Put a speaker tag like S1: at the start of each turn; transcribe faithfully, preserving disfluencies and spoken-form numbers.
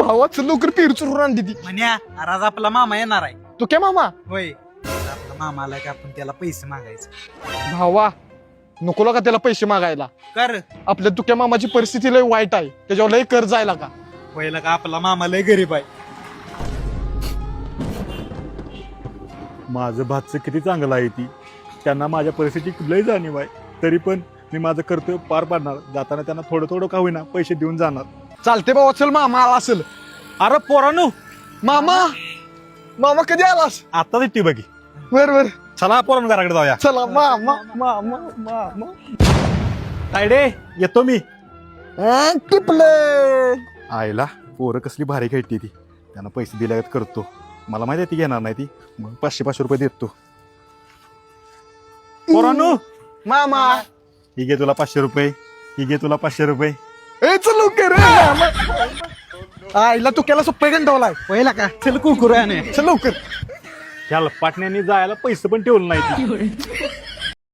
S1: भावा चल लवकर पेरू चुरून आणली ती.
S2: म्हण्या आज आपला मामा येणार आहे.
S1: तू काय मामा
S2: होय आज आपला मामा आला की आपण त्याला पैसे मागायचे.
S1: भावा नको का त्याला पैसे मागायला.
S2: कर
S1: आपल्या तुक्या मामाची परिस्थिती लय वाईट आहे, त्याच्यावर लय कर्ज आहे का.
S2: पहिला का आपला मामा लय गरीब आहे.
S3: माझं भातचं किती चांगलं आहे ती, त्यांना माझ्या परिस्थितीची लय जाणीव आहे, तरी पण मी माझं कर्तव्य पार पाडणार. जाताना त्यांना थोडं थोडं का होईना पैसे देऊन जाणार.
S1: चालते भावा चल मामा आला असेल.
S3: अरे पोरानो,
S1: मामा मामा कधी आलास.
S3: आता ती बघी.
S1: बर बर
S3: चला पोरांनो घराकडे जाऊया.
S1: चला मामा मामा मामा
S3: तायडे येतो मी.
S1: टिपले
S3: आईला पोरं कसली भारी खेळते ती, त्यांना पैसे दिल्यागत करतो. मला माहिती आहे ती घेणार नाही ती, मग पाचशे पाचशे रुपये देतो. पोरानो
S1: मामा
S3: ही घे तुला पाचशे रुपये, ही घे तुला पाचशे रुपये.
S1: ए चल लवकर रे मामा. आईला तू केला सोपे गंडवलाय.
S2: पहिला का चल कुरकुऱ्याने
S1: चल लवकर.
S3: ह्या पाटण्याने जायला पैसे पण ठेवलं नाही ती.